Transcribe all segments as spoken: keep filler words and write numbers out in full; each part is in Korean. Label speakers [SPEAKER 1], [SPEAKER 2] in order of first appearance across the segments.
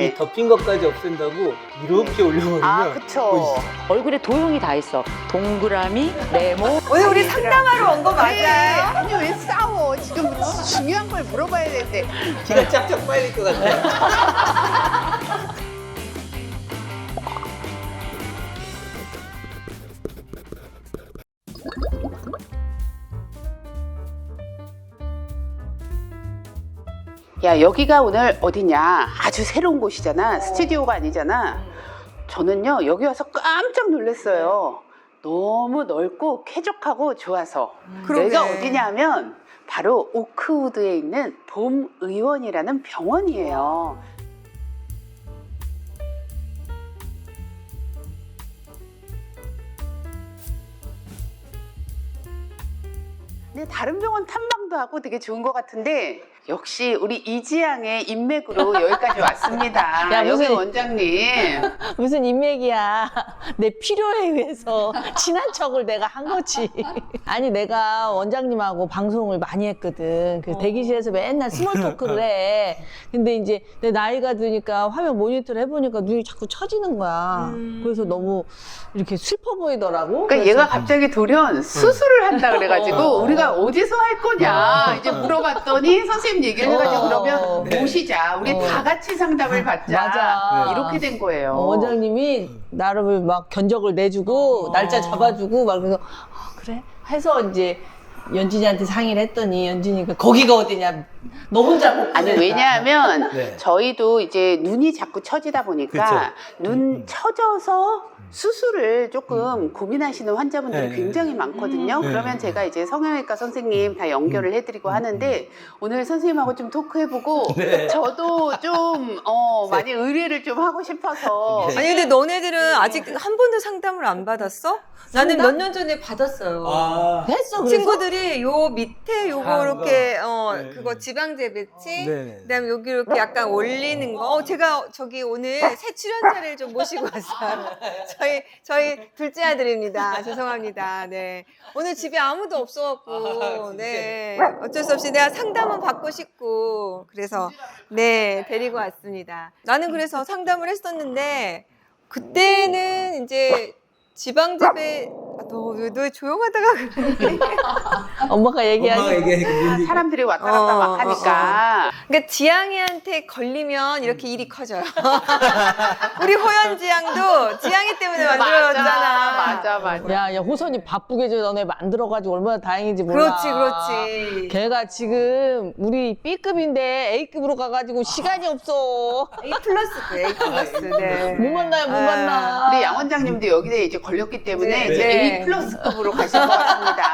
[SPEAKER 1] 네.
[SPEAKER 2] 이 덮인 것까지 없앤다고 이렇게 올려버리면
[SPEAKER 1] 아, 그쵸.
[SPEAKER 2] 보이시죠?
[SPEAKER 1] 얼굴에 도형이 다 있어. 동그라미, 네모.
[SPEAKER 3] 오늘 우리 상담하러 온 거 맞아요?
[SPEAKER 4] 아니 왜 싸워? 지금 중요한 걸 물어봐야 되는데.
[SPEAKER 2] 기가 짝짝 빨릴 것 같아요.
[SPEAKER 4] 야, 여기가 오늘 어디냐? 아주 새로운 곳이잖아. 스튜디오가 아니잖아. 저는요 여기 와서 깜짝 놀랐어요. 너무 넓고 쾌적하고 좋아서.
[SPEAKER 3] 그러게.
[SPEAKER 4] 여기가 어디냐면 바로 오크우드에 있는 봄의원이라는 병원이에요. 네, 다른 병원 탐방도 하고 되게 좋은 것 같은데 역시 우리 이지양의 인맥으로 여기까지 왔습니다.
[SPEAKER 5] 야,
[SPEAKER 4] 여기
[SPEAKER 5] 무슨-
[SPEAKER 4] 원장님.
[SPEAKER 5] 무슨 인맥이야. 내 필요에 의해서 친한 척을 내가 한 거지. 아니, 내가 원장님하고 방송을 많이 했거든. 그 대기실에서 맨날 스몰 토크를 해. 근데 이제 내 나이가 드니까 화면 모니터를 해보니까 눈이 자꾸 처지는 거야. 그래서 너무 이렇게 슬퍼 보이더라고.
[SPEAKER 4] 그러니까
[SPEAKER 5] 그래서
[SPEAKER 4] 얘가 갑자기 돌연 수술을 한다 그래가지고
[SPEAKER 5] 어.
[SPEAKER 4] 우리가 어디서 할 거냐 이제 물어봤더니 선생님 얘기를 해가지고
[SPEAKER 5] 어.
[SPEAKER 4] 그러면
[SPEAKER 2] 네.
[SPEAKER 4] 모시자. 우리
[SPEAKER 5] 어.
[SPEAKER 4] 다 같이 상담을 받자.
[SPEAKER 5] 맞아.
[SPEAKER 4] 이렇게 된 거예요.
[SPEAKER 5] 어, 원장님이 나를 막 견적을 내주고
[SPEAKER 4] 어.
[SPEAKER 5] 날짜 잡아주고 막 그래서 아, 그래? 해서 이제 연진이한테 상의를 했더니 연진이가 거기가 어디냐 너 혼자 못
[SPEAKER 4] 아니
[SPEAKER 5] 보낸다.
[SPEAKER 4] 왜냐하면
[SPEAKER 2] 네.
[SPEAKER 4] 저희도 이제 눈이 자꾸 처지다 보니까
[SPEAKER 2] 그쵸.
[SPEAKER 4] 눈
[SPEAKER 2] 음.
[SPEAKER 4] 처져서 수술을 조금 고민하시는 환자분들이
[SPEAKER 2] 네.
[SPEAKER 4] 굉장히 많거든요.
[SPEAKER 2] 네.
[SPEAKER 4] 그러면 제가 이제 성형외과 선생님 다 연결을 해드리고 하는데 오늘 선생님하고 좀 토크해보고
[SPEAKER 2] 네.
[SPEAKER 4] 저도 좀 어, 많이 의뢰를 좀 하고 싶어서
[SPEAKER 2] 네.
[SPEAKER 3] 아니 근데 너네들은 아직 한 번도 상담을 안 받았어? 나는 몇 년 전에 받았어요.
[SPEAKER 2] 아,
[SPEAKER 5] 했어 그래서?
[SPEAKER 3] 친구들이 요 밑에 요거
[SPEAKER 2] 한
[SPEAKER 3] 이렇게
[SPEAKER 2] 거.
[SPEAKER 3] 어
[SPEAKER 2] 네.
[SPEAKER 3] 그거 지방재배치
[SPEAKER 2] 네네.
[SPEAKER 3] 그다음에 여기 이렇게 약간 올리는 거. 어, 제가 저기 오늘 새 출연자를 좀 모시고 왔어요. 저희 저희 둘째 아들입니다. 죄송합니다. 네. 오늘 집에 아무도 없어갖고
[SPEAKER 2] 아,
[SPEAKER 3] 네 어쩔 수 없이 내가 상담은 받고 싶고 그래서 네 데리고 왔습니다. 나는 그래서 상담을 했었는데 그때는 이제 지방재배 너왜 조용하다가 그래?
[SPEAKER 5] 엄마가 얘기하니
[SPEAKER 2] 엄마가 얘기하니까 뭔지
[SPEAKER 4] 사람들이 왔다 갔다
[SPEAKER 3] 어,
[SPEAKER 4] 막 하니까
[SPEAKER 3] 그러니까 지양이한테 걸리면 이렇게 일이 커져요. 우리 호연지 양도 지양이 때문에 만들어졌잖아.
[SPEAKER 4] 맞아 맞아.
[SPEAKER 5] 야, 야, 호선이 바쁘게 저 너네 만들어가지고 얼마나 다행인지 몰라.
[SPEAKER 3] 그렇지, 그렇지.
[SPEAKER 5] 걔가 지금 우리 B급인데 A급으로 가가지고 시간이 없어.
[SPEAKER 3] A 플러스, A 플러스. 네.
[SPEAKER 5] 못 만나요, 못
[SPEAKER 3] 아.
[SPEAKER 5] 만나.
[SPEAKER 4] 우리 양 원장님도 여기에 이제 걸렸기 때문에
[SPEAKER 3] 네.
[SPEAKER 4] 이제
[SPEAKER 3] 네.
[SPEAKER 4] A 플러스급으로 가실 것 같습니다.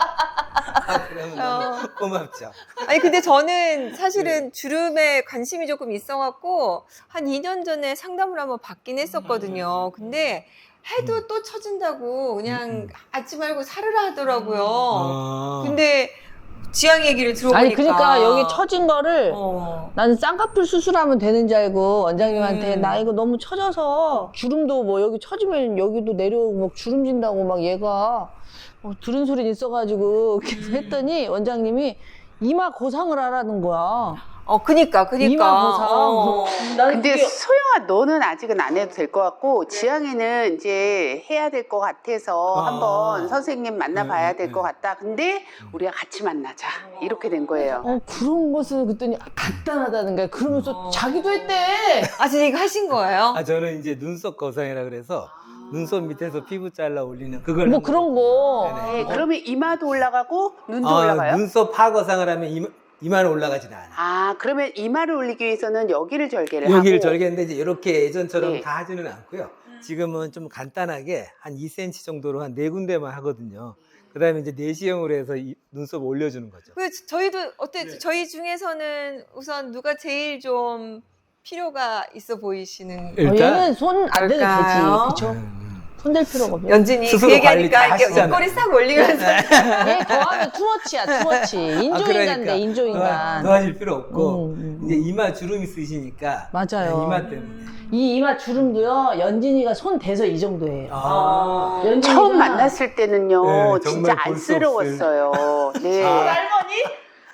[SPEAKER 2] 아, 그러면 너무 고맙죠.
[SPEAKER 3] 아니, 근데 저는 사실은 주름에 관심이 조금 있어갖고 한 이 년 전에 상담을 한번 받긴 했었거든요. 근데 해도 또 처진다고 그냥 하지 말고 살으라 하더라고요.
[SPEAKER 2] 아.
[SPEAKER 3] 근데 지양 얘기를 들어보니까.
[SPEAKER 5] 아니, 그러니까 여기 처진 거를
[SPEAKER 3] 어.
[SPEAKER 5] 나는 쌍꺼풀 수술하면 되는 줄 알고 원장님한테
[SPEAKER 3] 음.
[SPEAKER 5] 나 이거 너무 처져서 주름도 뭐 여기 처지면 여기도 내려오고 막 주름진다고 막 얘가 어, 들은 소리 있어가지고 계속 했더니 원장님이 이마 고상을 하라는 거야.
[SPEAKER 3] 어, 그니까, 그니까.
[SPEAKER 5] 이마 고상.
[SPEAKER 3] 어.
[SPEAKER 5] 나는
[SPEAKER 4] 근데
[SPEAKER 5] 그게-
[SPEAKER 4] 소영아 너는 아직은 안 해도 될 것 같고 지향이는 이제 해야 될 것 같아서
[SPEAKER 2] 아.
[SPEAKER 4] 한번 선생님 만나봐야
[SPEAKER 2] 네,
[SPEAKER 4] 될
[SPEAKER 2] 네.
[SPEAKER 4] 것 같다. 근데 우리가 같이 만나자 이렇게 된 거예요.
[SPEAKER 5] 어, 그런 것을 그랬더니 간단하다는 거야. 그러면서
[SPEAKER 3] 어.
[SPEAKER 5] 자기도 했대.
[SPEAKER 3] 아, 진짜 이거 하신 거예요?
[SPEAKER 2] 아, 저는 이제 눈썹 거상이라 그래서 눈썹 밑에서 피부 잘라 올리는 그걸
[SPEAKER 5] 뭐
[SPEAKER 2] 한
[SPEAKER 5] 그런
[SPEAKER 2] 거거든요.
[SPEAKER 5] 거.
[SPEAKER 2] 네네.
[SPEAKER 4] 네, 그러면 이마도 올라가고 눈도
[SPEAKER 2] 아,
[SPEAKER 4] 올라가요?
[SPEAKER 2] 눈썹 파거상을 하면 이마, 이마는 올라가진 않아.
[SPEAKER 4] 아 그러면 이마를 올리기 위해서는 여기를 절개를
[SPEAKER 2] 여기를
[SPEAKER 4] 하고
[SPEAKER 2] 절개했는데 이제 이렇게 예전처럼
[SPEAKER 4] 네.
[SPEAKER 2] 다 하지는 않고요. 지금은 좀 간단하게 한 이 센티미터 정도로 한 네 군데만 하거든요. 그 다음에 이제 내시형으로 해서 이 눈썹 올려주는 거죠.
[SPEAKER 3] 그 저희도 어때?
[SPEAKER 2] 네.
[SPEAKER 3] 저희 중에서는 우선 누가 제일 좀 필요가 있어 보이시는
[SPEAKER 5] 어,
[SPEAKER 2] 일단
[SPEAKER 5] 얘는 손 안 대도
[SPEAKER 3] 그럴까요?
[SPEAKER 5] 되지. 그쵸?
[SPEAKER 2] 음,
[SPEAKER 5] 손 댈 필요가 없어.
[SPEAKER 3] 연진이 그
[SPEAKER 2] 스스로 관리 다
[SPEAKER 3] 얘기하니까 이렇게
[SPEAKER 2] 하시잖아요.
[SPEAKER 3] 옷걸이 싹 올리면서
[SPEAKER 5] 얘 거하면 투머치야, 투머치. 인조인간 돼, 인조인간.
[SPEAKER 2] 더 하실 필요 없고
[SPEAKER 5] 음, 음,
[SPEAKER 2] 이제 이마 주름이 쓰시니까
[SPEAKER 5] 맞아요.
[SPEAKER 2] 네, 이마 때문에.
[SPEAKER 5] 이 이마 주름도요, 연진이가 손 대서 이 정도예요.
[SPEAKER 2] 아,
[SPEAKER 5] 연진이가-
[SPEAKER 4] 처음 만났을 때는요
[SPEAKER 2] 네, 정말
[SPEAKER 4] 진짜
[SPEAKER 2] 볼수
[SPEAKER 4] 안쓰러웠어요. 네.
[SPEAKER 2] 아.
[SPEAKER 3] 할머니?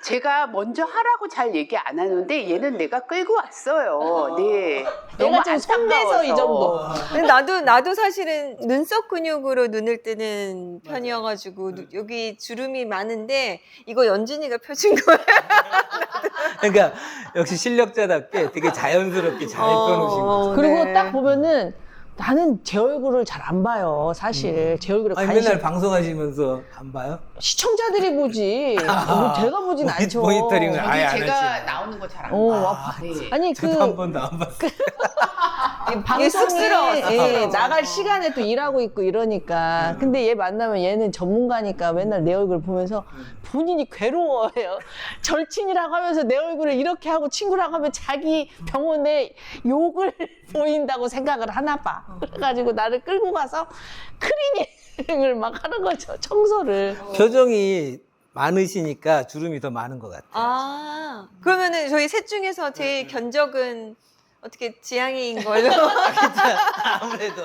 [SPEAKER 4] 제가 먼저 하라고 잘 얘기 안 하는데 얘는 내가 끌고 왔어요. 네.
[SPEAKER 5] 내가 지금 손대서 이 정도.
[SPEAKER 3] 근데 나도 나도 사실은 눈썹 근육으로 눈을 뜨는 편이어가지고 누- 여기 주름이 많은데 이거 연진이가 펴준 거야.
[SPEAKER 2] 그러니까 역시 실력자답게 되게 자연스럽게 잘 펴놓으신 거죠.
[SPEAKER 5] 그리고
[SPEAKER 3] 네.
[SPEAKER 5] 딱 보면은 나는 제 얼굴을 잘 안 봐요, 사실. 제 얼굴에
[SPEAKER 2] 아니
[SPEAKER 5] 관심.
[SPEAKER 2] 맨날 방송하시면서 안 봐요?
[SPEAKER 5] 시청자들이 보지. 뭐 제가 보진
[SPEAKER 2] 모니-
[SPEAKER 5] 않죠.
[SPEAKER 2] 모니터링을 아예 안
[SPEAKER 4] 제가
[SPEAKER 2] 하시네.
[SPEAKER 4] 나오는 거 잘 안
[SPEAKER 5] 어,
[SPEAKER 4] 봐요.
[SPEAKER 5] 아,
[SPEAKER 4] 네.
[SPEAKER 5] 아니 그
[SPEAKER 2] 저도 한 번도 안 봤어요.
[SPEAKER 5] 방송에
[SPEAKER 3] 쑥스러워서.
[SPEAKER 5] 예, 나갈 시간에 또 일하고 있고 이러니까. 근데 얘 만나면 얘는 전문가니까 맨날 내 얼굴 보면서 본인이 괴로워해요. 절친이라고 하면서 내 얼굴을 이렇게 하고 친구라고 하면 자기 병원에 욕을 보인다고 생각을 하나 봐. 그래가지고 나를 끌고 가서 클리닝을 막 하는 거죠. 청소를.
[SPEAKER 2] 표정이 많으시니까 주름이 더 많은 것 같아요.
[SPEAKER 3] 아 그러면은 저희 셋 중에서 제일 견적은 어떻게 지향이인 걸로.
[SPEAKER 2] 아무래도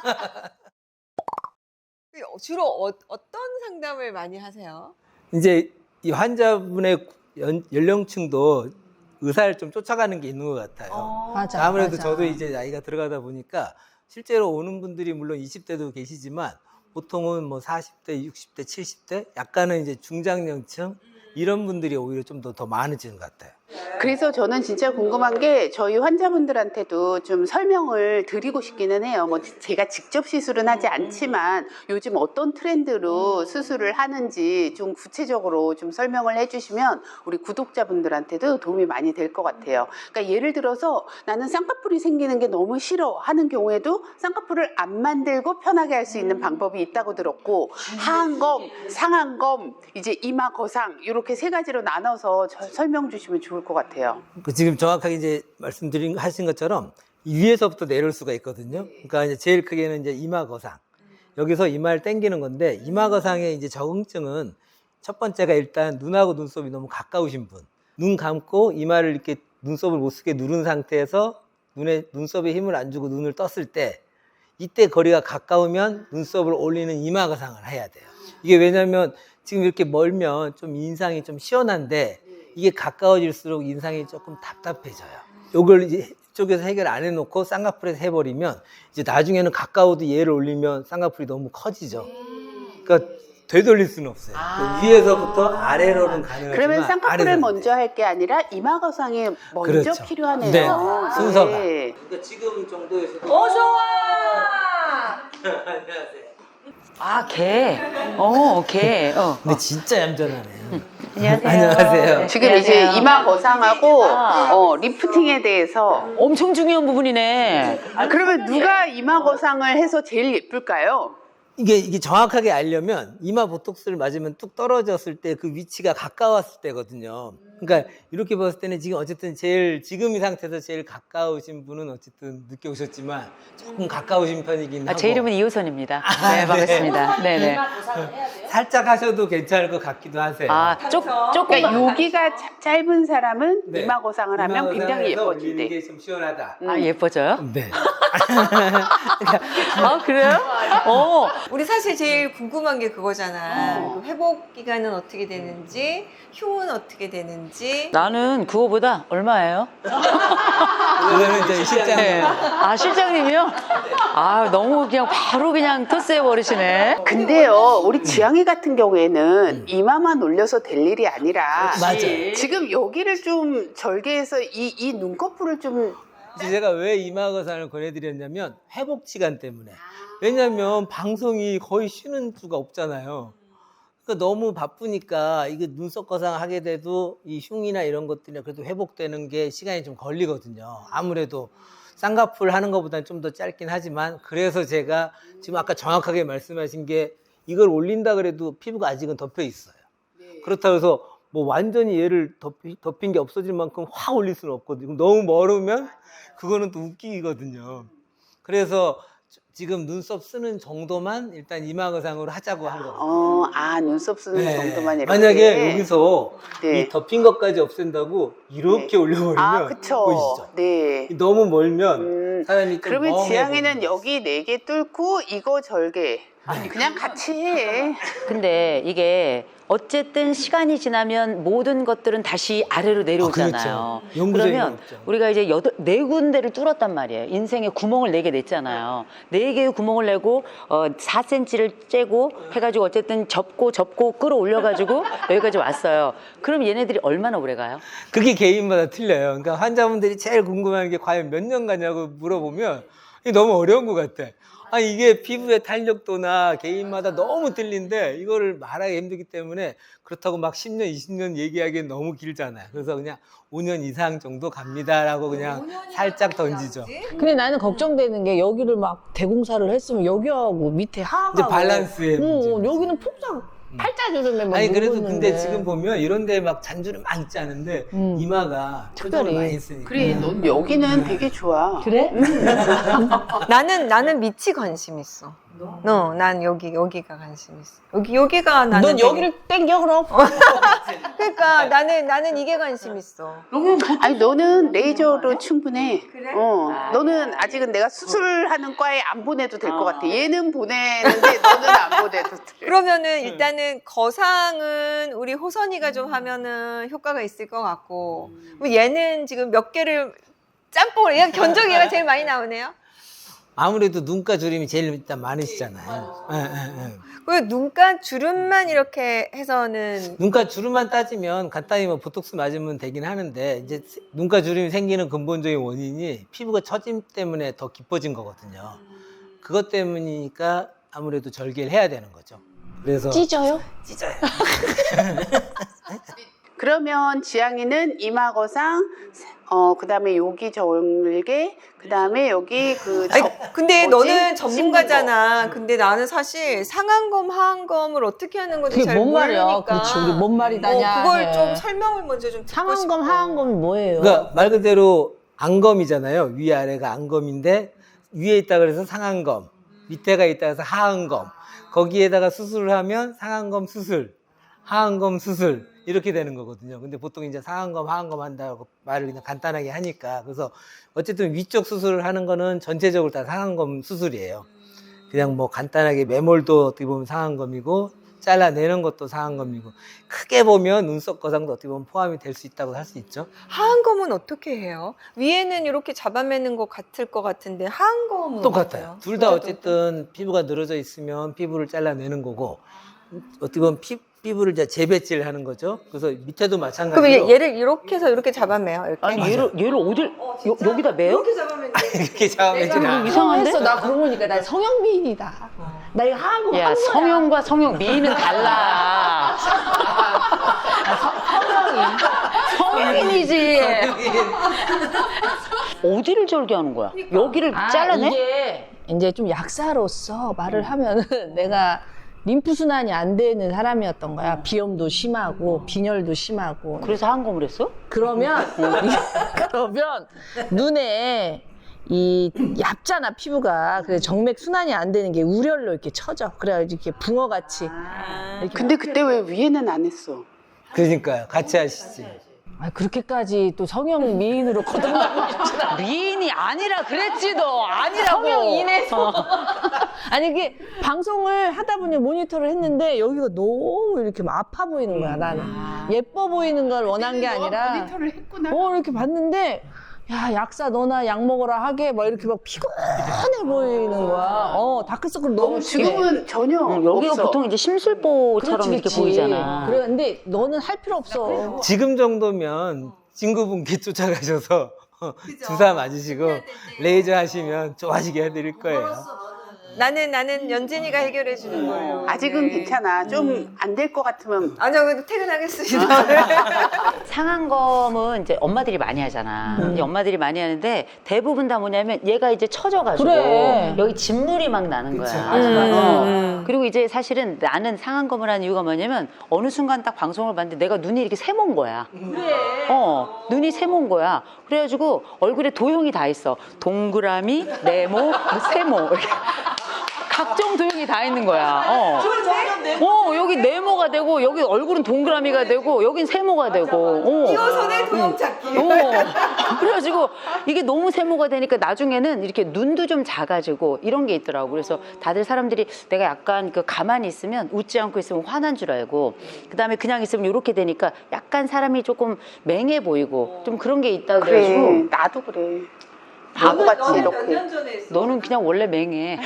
[SPEAKER 3] 주로 어, 어떤 상담을 많이 하세요?
[SPEAKER 2] 이제 이 환자분의 연, 연령층도 의사를 좀 쫓아가는 게 있는 것 같아요.
[SPEAKER 5] 맞아.
[SPEAKER 2] 아무래도
[SPEAKER 5] 맞아.
[SPEAKER 2] 저도 이제 나이가 들어가다 보니까 실제로 오는 분들이 물론 이십 대도 계시지만 보통은 뭐 사십 대, 육십 대, 칠십 대 약간은 이제 중장년층 이런 분들이 오히려 좀 더 더 많아지는 것 같아요.
[SPEAKER 4] 그래서 저는 진짜 궁금한 게 저희 환자분들한테도 좀 설명을 드리고 싶기는 해요. 뭐 제가 직접 시술은 하지 않지만 요즘 어떤 트렌드로 수술을 하는지 좀 구체적으로 좀 설명을 해주시면 우리 구독자분들한테도 도움이 많이 될 것 같아요. 그러니까 예를 들어서 나는 쌍꺼풀이 생기는 게 너무 싫어 하는 경우에도 쌍꺼풀을 안 만들고 편하게 할 수 있는 방법이 있다고 들었고 하안검, 상안검, 이제 이마 거상 이렇게 세 가지로 나눠서 저- 설명 주시면 좋을 것 같아요.
[SPEAKER 2] 그 지금 정확하게 이제 말씀드린 하신 것처럼 이 위에서부터 내려올 수가 있거든요. 그러니까 이제 제일 크게는 이제 이마 거상. 여기서 이마를 당기는 건데 이마 거상의 이제 적응증은 첫 번째가 일단 눈하고 눈썹이 너무 가까우신 분. 눈 감고 이마를 이렇게 눈썹을 못 쓰게 누른 상태에서 눈에 눈썹에 힘을 안 주고 눈을 떴을 때 이때 거리가 가까우면 눈썹을 올리는 이마 거상을 해야 돼요. 이게 왜냐면 지금 이렇게 멀면 좀 인상이 좀 시원한데 이게 가까워질수록 인상이 조금 답답해져요. 요걸 이제 이쪽에서 해결 안 해놓고 쌍꺼풀에서 해버리면 이제 나중에는 가까워도 얘를 올리면 쌍꺼풀이 너무 커지죠. 그러니까 되돌릴 수는 없어요. 그 위에서부터 아래로는 가능하지만
[SPEAKER 4] 그러면 쌍꺼풀을
[SPEAKER 2] 아래로는
[SPEAKER 4] 먼저 할 게 아니라 이마 거상에 먼저
[SPEAKER 2] 그렇죠.
[SPEAKER 4] 필요하네요.
[SPEAKER 2] 네, 순서가.
[SPEAKER 4] 네.
[SPEAKER 2] 그러니까 지금 정도에서도
[SPEAKER 5] 어서 와!
[SPEAKER 2] 안녕하세요.
[SPEAKER 1] 아, 개. 어, 개. 어.
[SPEAKER 2] 근데 진짜 얌전하네요.
[SPEAKER 1] 안녕하세요.
[SPEAKER 2] 안녕하세요.
[SPEAKER 4] 지금 이제
[SPEAKER 1] 안녕하세요.
[SPEAKER 4] 이마 거상하고
[SPEAKER 1] 아.
[SPEAKER 4] 어, 리프팅에 대해서
[SPEAKER 1] 엄청 중요한 부분이네.
[SPEAKER 4] 아, 그러면 누가 이마 거상을 해서 제일 예쁠까요?
[SPEAKER 2] 이게, 이게 정확하게 알려면 이마 보톡스를 맞으면 뚝 떨어졌을 때 그 위치가 가까웠을 때거든요. 그러니까 이렇게 봤을 때는 지금 어쨌든 제일 지금 이 상태에서 제일 가까우신 분은 어쨌든 늦게 오셨지만 조금 가까우신 편이긴
[SPEAKER 1] 아,
[SPEAKER 2] 하고
[SPEAKER 1] 제 이름은 이효선입니다.
[SPEAKER 2] 아,
[SPEAKER 1] 네, 반갑습니다. 네, 네.
[SPEAKER 2] 살짝 하셔도 괜찮을 것 같기도 하세요.
[SPEAKER 1] 아, 쪽, 조금.
[SPEAKER 4] 그러니까 여기가 차- 짧은 사람은
[SPEAKER 2] 네.
[SPEAKER 4] 이마 거상을 하면
[SPEAKER 2] 이마
[SPEAKER 4] 굉장히
[SPEAKER 2] 거상에서 올리는
[SPEAKER 4] 예뻐진대.
[SPEAKER 2] 게 좀 시원하다.
[SPEAKER 1] 아, 예뻐져요?
[SPEAKER 2] 네.
[SPEAKER 1] 아, 그래요? 어.
[SPEAKER 3] 우리 사실 제일 궁금한 게 그거잖아. 그 회복 기간은 어떻게 되는지, 흉은 어떻게 되는지.
[SPEAKER 1] 나는 그거보다 얼마예요?
[SPEAKER 2] 그거는 이제 실장
[SPEAKER 1] 네. 아, 실장님이요? 아, 너무 그냥 바로 그냥 토스해 버리시네.
[SPEAKER 4] 근데요, 우리 지향이 같은 경우에는 이마만 올려서 될 일이 아니라
[SPEAKER 2] 맞아요.
[SPEAKER 4] 지금 여기를 좀 절개해서 이, 이 눈꺼풀을 좀
[SPEAKER 2] 이제 제가 왜 이마 거상을 권해드렸냐면 회복 시간 때문에. 왜냐면 방송이 거의 쉬는 수가 없잖아요. 그러니까 너무 바쁘니까 이게 눈썹 거상 하게 돼도 이 흉이나 이런 것들이 그래도 회복되는 게 시간이 좀 걸리거든요. 아무래도 쌍꺼풀 하는 것보다는 좀 더 짧긴 하지만 그래서 제가 지금 아까 정확하게 말씀하신 게 이걸 올린다 그래도 피부가 아직은 덮여 있어요. 그렇다고 해서 뭐 완전히 얘를 덮이, 덮인 게 없어질 만큼 확 올릴 수는 없거든요. 너무 멀으면 그거는 또 웃기거든요. 그래서 지금 눈썹 쓰는 정도만 일단 이마 거상으로 하자고 한 거거든요.
[SPEAKER 4] 어, 아 눈썹 쓰는
[SPEAKER 2] 네.
[SPEAKER 4] 정도만 이렇게.
[SPEAKER 2] 만약에 여기서
[SPEAKER 4] 네.
[SPEAKER 2] 이 덮인 것까지 없앤다고 이렇게
[SPEAKER 4] 네.
[SPEAKER 2] 올려버리면
[SPEAKER 4] 아 그쵸.
[SPEAKER 2] 보이시죠?
[SPEAKER 4] 네.
[SPEAKER 2] 너무 멀면
[SPEAKER 4] 음,
[SPEAKER 2] 사람이 좀
[SPEAKER 4] 그러면
[SPEAKER 2] 멍해
[SPEAKER 4] 지향이는
[SPEAKER 2] 보이는
[SPEAKER 4] 여기 네 개 뚫고 이거 절개.
[SPEAKER 2] 네.
[SPEAKER 4] 그냥 같이 해.
[SPEAKER 1] 근데 이게 어쨌든 시간이 지나면 모든 것들은 다시 아래로 내려오잖아요.
[SPEAKER 2] 아, 그렇죠. 영구적인
[SPEAKER 1] 그러면
[SPEAKER 2] 거 없죠.
[SPEAKER 1] 우리가 이제 여덟, 네 군데를 뚫었단 말이에요. 인생에 구멍을 네 개 냈잖아요. 네 개의 구멍을 내고 어, 사 센티미터를 째고 해가지고 어쨌든 접고 접고 끌어올려가지고 여기까지 왔어요. 그럼 얘네들이 얼마나 오래 가요?
[SPEAKER 2] 그게 개인마다 틀려요. 그러니까 환자분들이 제일 궁금한 게 과연 몇 년 가냐고 물어보면 이게 너무 어려운 것 같아. 아, 이게 피부의 탄력도나 개인마다 너무 틀린데 이거를 말하기 힘들기 때문에 그렇다고 막 십 년, 이십 년 얘기하기엔 너무 길잖아요. 그래서 그냥 오 년 이상 정도 갑니다라고 그냥 살짝 던지죠.
[SPEAKER 5] 근데 나는 걱정되는 게 여기를 막 대공사를 했으면 여기하고 밑에 하하고
[SPEAKER 2] 이제 밸런스의
[SPEAKER 5] 어,
[SPEAKER 2] 문제죠.
[SPEAKER 5] 여기는 폭삭 팔자주름에 막
[SPEAKER 2] 아니 그래도
[SPEAKER 5] 누웠는데.
[SPEAKER 2] 근데 지금 보면 이런 데 막 잔주름 막 있지 않은데
[SPEAKER 5] 음.
[SPEAKER 2] 이마가 표정을
[SPEAKER 5] 특별히.
[SPEAKER 2] 많이 쓰니까.
[SPEAKER 4] 그래, 넌 여기는 되게 좋아.
[SPEAKER 5] 그래?
[SPEAKER 3] 나는 나는 밑이 관심 있어. 너, 난 여기 여기가 관심 있어. 여기 여기가 나는
[SPEAKER 5] 넌
[SPEAKER 3] 되게-
[SPEAKER 5] 여기를 땡겨 그럼?
[SPEAKER 3] 그러니까 나는 나는 이게 관심 있어.
[SPEAKER 4] 아니 너는 레이저로 충분해. 어, 너는 아직은 내가 수술하는 과에 안 보내도 될 것 같아. 얘는 보내는데 너는 안 보내도 돼.
[SPEAKER 3] 그러면은 일단은 거상은 우리 호선이가 좀 하면은 효과가 있을 것 같고 그럼 얘는 지금 몇 개를 짬뽕을 얘가 견적이 얘가 제일 많이 나오네요.
[SPEAKER 2] 아무래도 눈가 주름이 제일 일단 많으시잖아요. 예, 예, 예.
[SPEAKER 3] 그리고 눈가 주름만 이렇게 해서는
[SPEAKER 2] 눈가 주름만 따지면 간단히 뭐 보톡스 맞으면 되긴 하는데 이제 눈가 주름이 생기는 근본적인 원인이 피부가 처짐 때문에 더 깊어진 거거든요. 그것 때문이니까 아무래도 절개를 해야 되는 거죠. 그래서
[SPEAKER 5] 찢어요?
[SPEAKER 2] 찢어요.
[SPEAKER 4] 그러면 지향이는 이마 거상, 어, 그 다음에 여기 절개, 그 다음에 여기 그.
[SPEAKER 3] 아니,
[SPEAKER 4] 접-
[SPEAKER 3] 근데
[SPEAKER 4] 뭐지?
[SPEAKER 3] 너는 전문가잖아. 근데 나는 사실 상안검, 하안검을 어떻게 하는 건지
[SPEAKER 5] 그게
[SPEAKER 3] 잘
[SPEAKER 5] 뭔 말이야?
[SPEAKER 3] 모르니까.
[SPEAKER 5] 그렇지, 우리 뭔 말이다냐
[SPEAKER 3] 어, 그걸
[SPEAKER 5] 해.
[SPEAKER 3] 좀 설명을 먼저 좀 듣고
[SPEAKER 5] 상안검,
[SPEAKER 3] 싶어.
[SPEAKER 5] 하안검이 뭐예요?
[SPEAKER 2] 그러니까 말 그대로 안검이잖아요. 위아래가 안검인데 위에 있다 그래서 상안검, 밑에가 있다 그래서 하안검. 거기에다가 수술을 하면 상안검 수술, 하안검 수술 이렇게 되는 거거든요. 근데 보통 이제 상안검, 하안검 한다고 말을 그냥 간단하게 하니까 그래서 어쨌든 위쪽 수술을 하는 거는 전체적으로 다 상안검 수술이에요. 그냥 뭐 간단하게 매몰도 어떻게 보면 상안검이고 잘라내는 것도 상안검이고 크게 보면 눈썹 거상도 어떻게 보면 포함이 될 수 있다고 할 수 있죠.
[SPEAKER 3] 하안검은 어떻게 해요? 위에는 이렇게 잡아매는 것 같을 것 같은데 하안검은
[SPEAKER 2] 똑같아요.
[SPEAKER 3] 어때요?
[SPEAKER 2] 둘 다
[SPEAKER 3] 둘 다
[SPEAKER 2] 어쨌든 피부가 늘어져 있으면 피부를 잘라내는 거고 어떻게 보면 피, 피부를 이제 재배치를 하는 거죠. 그래서 밑에도
[SPEAKER 3] 그럼
[SPEAKER 2] 마찬가지로
[SPEAKER 3] 얘- 얘를 이렇게 해서 이렇게 잡아매요? 이렇게?
[SPEAKER 1] 아니 얘를 얘를 어딜 여, 여기다 매요?
[SPEAKER 3] 이렇게 잡아매는
[SPEAKER 2] 이렇게 잡아내진 않아요.
[SPEAKER 1] 이상한데?
[SPEAKER 5] 했어. 나 그러고 보니까 나 성형미인이다. 나 이거 하안검
[SPEAKER 1] 야
[SPEAKER 5] 한 거야.
[SPEAKER 1] 성형과 성형 미인은 달라. 성형인이지. 어디를 절개하는 거야? 여기를
[SPEAKER 5] 아,
[SPEAKER 1] 잘라내?
[SPEAKER 5] 이게 이제 좀 약사로서 말을 하면은 내가 림프 순환이 안 되는 사람이었던 거야. 비염도 심하고 빈혈도 심하고.
[SPEAKER 1] 그래서 한검을 했어?
[SPEAKER 5] 그러면 그러면 눈에 이 얇잖아 피부가. 그래서 정맥 순환이 안 되는 게 우열로 이렇게 쳐져. 그래가지고 이렇게 붕어 같이.
[SPEAKER 4] 근데 그때 왜 위에는 안 했어?
[SPEAKER 2] 그러니까요. 같이 하시지.
[SPEAKER 5] 아, 그렇게까지 또 성형 미인으로 거듭나고 싶진 않아.
[SPEAKER 1] 미인이 아니라 그랬지 너 아니라고.
[SPEAKER 5] 성형인에서 아니 이게 방송을 하다 보니 모니터를 했는데 여기가 너무 이렇게 막 아파 보이는 거야 나는. 예뻐 보이는 걸 원한 게 아니라
[SPEAKER 4] 모니터를 했구나.
[SPEAKER 5] 어 이렇게 봤는데 야 약사 너나 약 먹어라 하게 막 이렇게 막 피곤해 보이는 거야. 어 다크서클 너무
[SPEAKER 4] 어,
[SPEAKER 5] 심해.
[SPEAKER 4] 지금은 전혀
[SPEAKER 1] 응, 여기가
[SPEAKER 4] 없어.
[SPEAKER 1] 보통 이제 심술보처럼
[SPEAKER 5] 그렇지,
[SPEAKER 1] 이렇게
[SPEAKER 5] 그렇지.
[SPEAKER 1] 보이잖아.
[SPEAKER 5] 그래 근데 너는 할 필요 없어.
[SPEAKER 2] 지금 정도면 친구분께 쫓아가셔서 주사 맞으시고 레이저 하시면 좋아지게 해드릴 거예요.
[SPEAKER 3] 나는 나는 연진이가 해결해 주는 거예요.
[SPEAKER 4] 아직은
[SPEAKER 3] 네.
[SPEAKER 4] 괜찮아. 좀 안 될 것 같으면
[SPEAKER 3] 아니요, 그래도 퇴근하겠습니다.
[SPEAKER 1] 상안검은 이제 엄마들이 많이 하잖아. 이제 엄마들이 많이 하는데 대부분 다 뭐냐면 얘가 이제 처져가지고
[SPEAKER 5] 그래.
[SPEAKER 1] 여기 진물이 막 나는
[SPEAKER 2] 그쵸.
[SPEAKER 1] 거야.
[SPEAKER 2] 맞아, 맞아.
[SPEAKER 1] 어.
[SPEAKER 3] 음.
[SPEAKER 1] 그리고 이제 사실은 나는 상안검을 하는 이유가 뭐냐면 어느 순간 딱 방송을 봤는데 내가 눈이 이렇게 세모인 거야. 그래. 어, 눈이 세모인 거야. 그래가지고 얼굴에 도형이 다 있어. 동그라미, 네모, 뭐 세모. 이렇게. 각종 도형이 다 있는 거야. 어. 어, 여기 네모가 되고, 여기 얼굴은 동그라미가 되고, 여긴 세모가 되고. 어.
[SPEAKER 3] 이호선의 도형 찾기.
[SPEAKER 1] 어. 그래가지고 이게 너무 세모가 되니까 나중에는 이렇게 눈도 좀 작아지고 이런 게 있더라고. 그래서 다들 사람들이 내가 약간 그 가만히 있으면 웃지 않고 있으면 화난 줄 알고, 그 다음에 그냥 있으면 이렇게 되니까 약간 사람이 조금 맹해 보이고 좀 그런 게 있다
[SPEAKER 4] 그래,
[SPEAKER 1] 그래가지고.
[SPEAKER 4] 나도 그래. 바보같이 이렇게.
[SPEAKER 3] 몇년 전에 했어?
[SPEAKER 1] 너는 그냥 원래 맹해.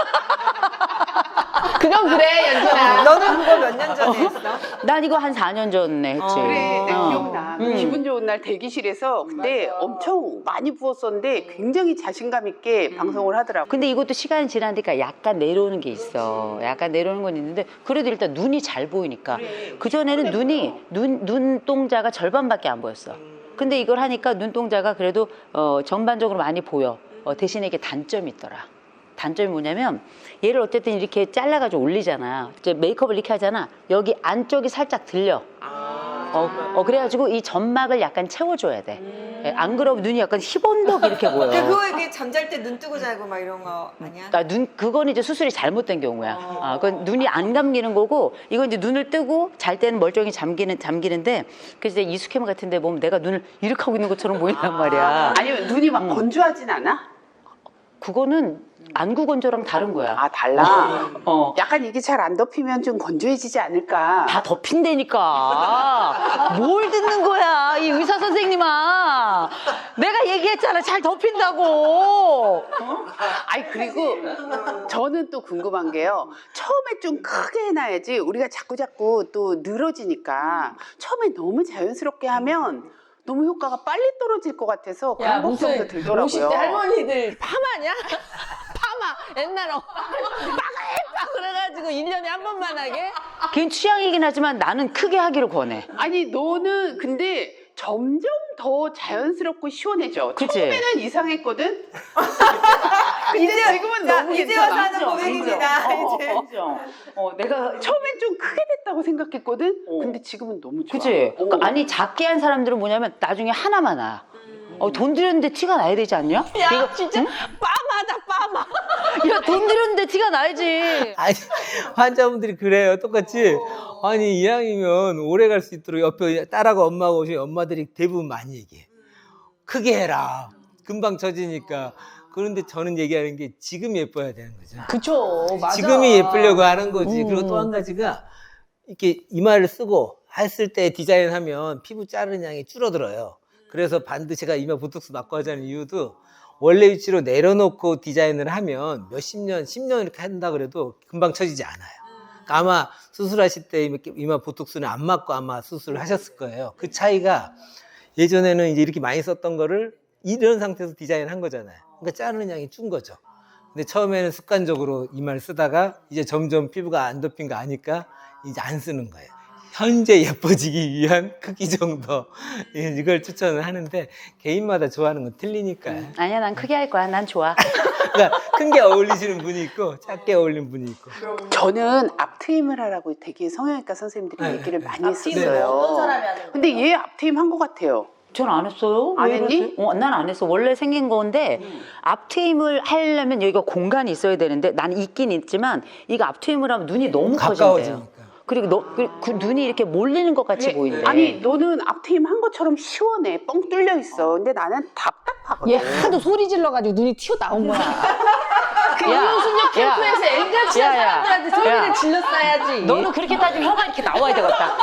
[SPEAKER 5] 그건 그래, 연준아.
[SPEAKER 3] 너는 그거 몇 년 전에 했어?
[SPEAKER 1] 난 이거 한 사 년 전에 했지.
[SPEAKER 4] 그래, 내가
[SPEAKER 1] 어.
[SPEAKER 4] 기억나.
[SPEAKER 1] 음.
[SPEAKER 4] 기분 좋은 날 대기실에서 근데 엄청 많이 부었었는데 굉장히 자신감 있게 방송을 하더라고.
[SPEAKER 1] 근데 이것도 시간이 지나니까 약간 내려오는 게 있어. 약간 내려오는 건 있는데 그래도 일단 눈이 잘 보이니까. 그 전에는 눈이 눈 눈동자가 절반밖에 안 보였어. 근데 이걸 하니까 눈동자가 그래도 어, 전반적으로 많이 보여. 어, 대신에 이게 단점이 있더라. 단점이 뭐냐면 얘를 어쨌든 이렇게 잘라가지고 올리잖아. 이제 메이크업을 이렇게 하잖아. 여기 안쪽이 살짝 들려. 어, 어 그래가지고 이 점막을 약간 채워줘야 돼. 예, 안 그러면 눈이 약간 희번덕 이렇게 보여.
[SPEAKER 3] 근데 그거 이게 잠잘 때 눈 뜨고 자고 막 이런 거 아니야?
[SPEAKER 1] 아, 눈 그건 이제 수술이 잘못된 경우야. 아, 그건 눈이 안 감기는 거고, 이건 이제 눈을 뜨고 잘 때는 멀쩡히 잠기는 잠기는데, 그래서 이제 이수캠 같은데 보면 내가 눈을 이렇게 하고 있는 것처럼 보인단 말이야.
[SPEAKER 4] 아니면 눈이 막 건조하진 않아?
[SPEAKER 1] 그거는 안구 건조랑 다른 거야.
[SPEAKER 4] 아, 달라?
[SPEAKER 1] 어.
[SPEAKER 4] 약간 이게 잘 안 덮이면 좀 건조해지지 않을까?
[SPEAKER 1] 다 덮인다니까. 뭘 듣는 거야, 이 의사 선생님아. 내가 얘기했잖아, 잘 덮인다고. 어?
[SPEAKER 4] 아니, 그리고 저는 또 궁금한 게요. 처음에 좀 크게 해놔야지 우리가 자꾸자꾸 또 늘어지니까 처음에 너무 자연스럽게 하면 너무 효과가 빨리 떨어질 것 같아서 그런 걱정도 들더라고요.
[SPEAKER 5] 오십 대 할머니들 파마냐? 파마 옛날에 빠글빠 그래가지고 일 년에 한 번만 하게?
[SPEAKER 1] 걔는 취향이긴 하지만 나는 크게 하기를 권해.
[SPEAKER 4] 아니, 너는 근데 점점 더 자연스럽고 시원해져.
[SPEAKER 1] 그치?
[SPEAKER 4] 처음에는 이상했거든? 근데
[SPEAKER 3] 이제-
[SPEAKER 4] 지금은
[SPEAKER 3] 자,
[SPEAKER 4] 너무
[SPEAKER 3] 이제
[SPEAKER 4] 괜찮아.
[SPEAKER 3] 와서 하는 고백입니다. 이제.
[SPEAKER 1] 어, 어, 내가
[SPEAKER 4] 처음엔 좀 크게 됐다고 생각했거든?
[SPEAKER 1] 어.
[SPEAKER 4] 근데 지금은 너무 좋아.
[SPEAKER 1] 그치?
[SPEAKER 4] 어.
[SPEAKER 1] 그러니까 아니, 작게 한 사람들은 뭐냐면 나중에 하나만 나. 어, 돈 들였는데 티가 나야 되지 않냐?
[SPEAKER 5] 야 진짜 빠마다 빠마.
[SPEAKER 1] 야, 돈 들였는데 티가 나야지.
[SPEAKER 2] 아니, 환자분들이 그래요. 똑같이. 아니, 이왕이면 오래 갈 수 있도록 옆에 딸하고 엄마가 오시면 엄마들이 대부분 많이 얘기해. 크게 해라. 금방 처지니까. 그런데 저는 얘기하는 게 지금 예뻐야 되는 거죠.
[SPEAKER 5] 그쵸, 맞아.
[SPEAKER 2] 지금이 예쁘려고 하는 거지.
[SPEAKER 5] 음.
[SPEAKER 2] 그리고 또 한 가지가 이렇게 이마를 쓰고 했을 때 디자인하면 피부 자르는 양이 줄어들어요. 그래서 반드시 제가 이마 보톡스 맞고 하자는 이유도 원래 위치로 내려놓고 디자인을 하면 몇십 년, 십 년 이렇게 한다 그래도 금방 처지지 않아요. 그러니까 아마 수술하실 때 이마 보톡스는 안 맞고 아마 수술을 하셨을 거예요. 그 차이가 예전에는 이제 이렇게 많이 썼던 거를 이런 상태에서 디자인을 한 거잖아요. 그러니까 자르는 양이 준 거죠. 근데 처음에는 습관적으로 이마를 쓰다가 이제 점점 피부가 안 덮인 거 아니까 이제 안 쓰는 거예요. 현재 예뻐지기 위한 크기 정도 이걸 추천을 하는데 개인마다 좋아하는 건 틀리니까요.
[SPEAKER 1] 아니야, 난 크게 할 거야. 난 좋아.
[SPEAKER 2] 그러니까 큰 게 어울리시는 분이 있고 작게 어울리는 분이 있고.
[SPEAKER 4] 저는 앞트임을 하라고 되게 성형외과 선생님들이
[SPEAKER 2] 네.
[SPEAKER 4] 얘기를 많이
[SPEAKER 5] 앞트임을
[SPEAKER 4] 했었어요.
[SPEAKER 5] 어떤 사람이 하는 거예요?
[SPEAKER 4] 근데 얘 앞트임 한 것 같아요.
[SPEAKER 1] 전 안 했어요.
[SPEAKER 4] 안
[SPEAKER 1] 왜
[SPEAKER 4] 했니?
[SPEAKER 1] 이러지? 어, 난 안 했어. 원래 생긴 건데 앞트임을 하려면 여기가 공간이 있어야 되는데 난 있긴 있지만 이거 앞트임을 하면 눈이 너무 커진대요.
[SPEAKER 2] 가까워지니까.
[SPEAKER 1] 그리고 너, 그, 그 눈이 이렇게 몰리는 것 같이 보인대.
[SPEAKER 4] 아니, 너는 앞트임 한 것처럼 시원해. 뻥 뚫려 있어. 근데 나는 답답하거든.
[SPEAKER 5] 얘 하도 소리 질러가지고 눈이 튀어나온 거야. 그
[SPEAKER 1] 야,
[SPEAKER 5] 이호순역
[SPEAKER 1] 야.
[SPEAKER 5] 캠프에서 앵가치한
[SPEAKER 1] 야, 야.
[SPEAKER 5] 사람들한테 소리를
[SPEAKER 1] 야.
[SPEAKER 5] 질렀어야지.
[SPEAKER 1] 너는 그렇게 따지면 혀가 이렇게 나와야 되겠다.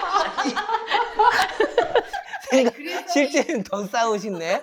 [SPEAKER 2] 실제는 더 싸우시네.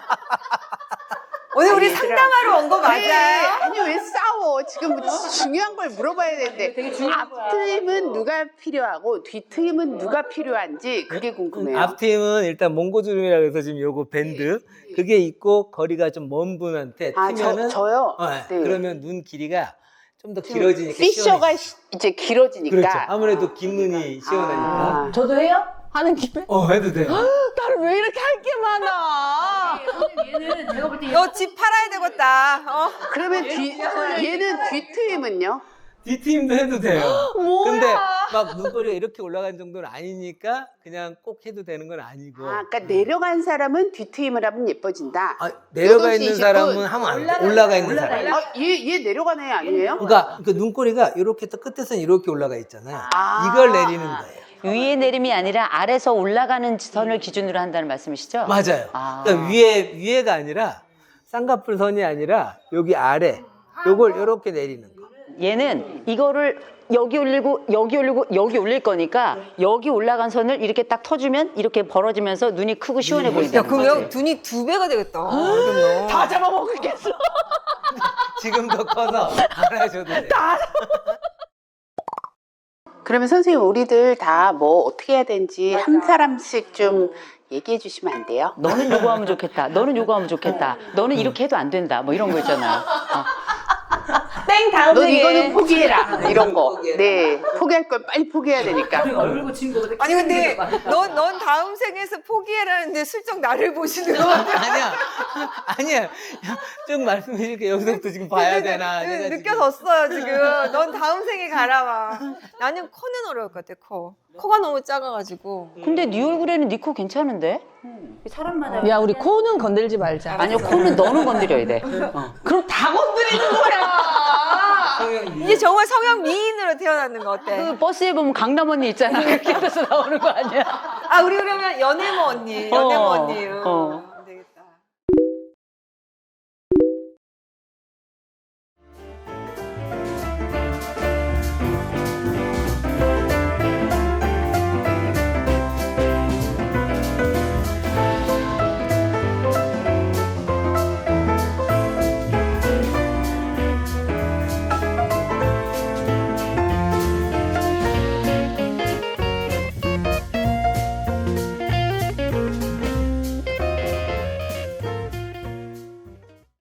[SPEAKER 3] 오늘 우리
[SPEAKER 4] 아니, 얘들아.
[SPEAKER 3] 상담하러 온 거 맞아요?
[SPEAKER 4] 아니, 왜 싸워? 지금 뭐 중요한 걸 물어봐야 되는데. 앞트임은 누가 필요하고 뒤트임은 누가 필요한지 그게 궁금해요.
[SPEAKER 2] 앞트임은 일단 몽고주름이라고 해서 지금 요거 밴드 그게 있고 거리가 좀 먼 분한테
[SPEAKER 4] 아, 저,
[SPEAKER 2] 트면은
[SPEAKER 4] 저요?
[SPEAKER 2] 어,
[SPEAKER 4] 네.
[SPEAKER 2] 그러면 눈 길이가 좀 더 길어지니까
[SPEAKER 4] 피셔가
[SPEAKER 2] 시원해.
[SPEAKER 4] 시- 이제 길어지니까.
[SPEAKER 2] 그렇죠. 아무래도 긴 눈이 시원하니까.
[SPEAKER 4] 아.
[SPEAKER 5] 저도 해요? 하는 김에?
[SPEAKER 2] 어, 해도 돼요.
[SPEAKER 5] 나는 왜 이렇게 할 게 많아?
[SPEAKER 1] 얘는 내가 볼 때
[SPEAKER 3] 너 집 팔아야 되겠다. 어?
[SPEAKER 4] 그러면 뒤, 얘는 뒤트임은요?
[SPEAKER 2] 뒤트임도 해도 돼요.
[SPEAKER 5] 뭐야?
[SPEAKER 2] 근데 막 눈꼬리가 이렇게 올라간 정도는 아니니까 그냥 꼭 해도 되는 건 아니고.
[SPEAKER 4] 아, 그러니까 내려간 사람은 뒤트임을 하면 예뻐진다.
[SPEAKER 2] 아, 내려가
[SPEAKER 4] 여덟 시
[SPEAKER 2] 있는
[SPEAKER 4] 이십 분
[SPEAKER 2] 사람은 하면 안 돼. 올라가 있는 사람.
[SPEAKER 4] 아, 얘, 얘 내려간 애 아니에요?
[SPEAKER 2] 그러니까 그 눈꼬리가 이렇게 또 끝에서는 이렇게 올라가 있잖아요.
[SPEAKER 4] 아.
[SPEAKER 2] 이걸 내리는 거예요.
[SPEAKER 1] 위에 내림이 아니라 아래서 올라가는 선을 기준으로 한다는 말씀이시죠?
[SPEAKER 2] 맞아요.
[SPEAKER 1] 아.
[SPEAKER 2] 그러니까 위에 위에가 아니라 쌍꺼풀 선이 아니라 여기 아래 요걸 이렇게 내리는 거.
[SPEAKER 1] 얘는 이거를 여기 올리고 여기 올리고 여기 올릴 거니까 여기 올라간 선을 이렇게 딱 터주면 이렇게 벌어지면서 눈이 크고 시원해
[SPEAKER 3] 야,
[SPEAKER 1] 보인다는
[SPEAKER 3] 그러면
[SPEAKER 1] 거지.
[SPEAKER 3] 눈이 두 배가 되겠다. 그러면.
[SPEAKER 5] 다 잡아먹겠어.
[SPEAKER 2] 지금 더 커서 안 하셔도 돼요.
[SPEAKER 4] 그러면 선생님, 우리들 다 뭐 어떻게 해야 되는지 한 사람씩 좀 얘기해 주시면 안 돼요?
[SPEAKER 1] 너는 요거 하면 좋겠다. 너는 요거 하면 좋겠다. 너는 이렇게 해도 안 된다. 뭐 이런 거 있잖아요. 어.
[SPEAKER 5] 땡 다음
[SPEAKER 4] 넌
[SPEAKER 5] 생에.
[SPEAKER 4] 이거는 포기해라. 이런 거. 네. 포기할 걸 빨리 포기해야 되니까.
[SPEAKER 1] 얼굴 고친 거보다
[SPEAKER 3] 아니 근데 넌, 넌 다음 생에서 포기해라는데 슬쩍 나를 보시는 거 같아.
[SPEAKER 2] 아니야. 아니야. 쭉 말씀해 줄게. 여기서부터 지금 봐야 되나.
[SPEAKER 3] 느-
[SPEAKER 2] 내가 지금.
[SPEAKER 3] 느껴졌어요 지금. 넌 다음 생에 가라 봐. 나는 코는 어려울 것 같아. 코. 코가 너무 작아가지고.
[SPEAKER 1] 근데 네 얼굴에는 네 코 괜찮은데? 사람마다.
[SPEAKER 5] 야 우리 코는 건들지 말자.
[SPEAKER 1] 아니요, 코는 너는 건드려야 돼. 어.
[SPEAKER 5] 그럼 다 건드리는 거야.
[SPEAKER 3] 이제 정말 성형 미인으로 태어나는 거 어때?
[SPEAKER 1] 그 버스에 보면 강남 언니 있잖아. 그렇게 해서 나오는 거 아니야?
[SPEAKER 3] 아 우리 그러면 연애모 언니, 연애모
[SPEAKER 1] 어,
[SPEAKER 3] 언니.
[SPEAKER 1] 어.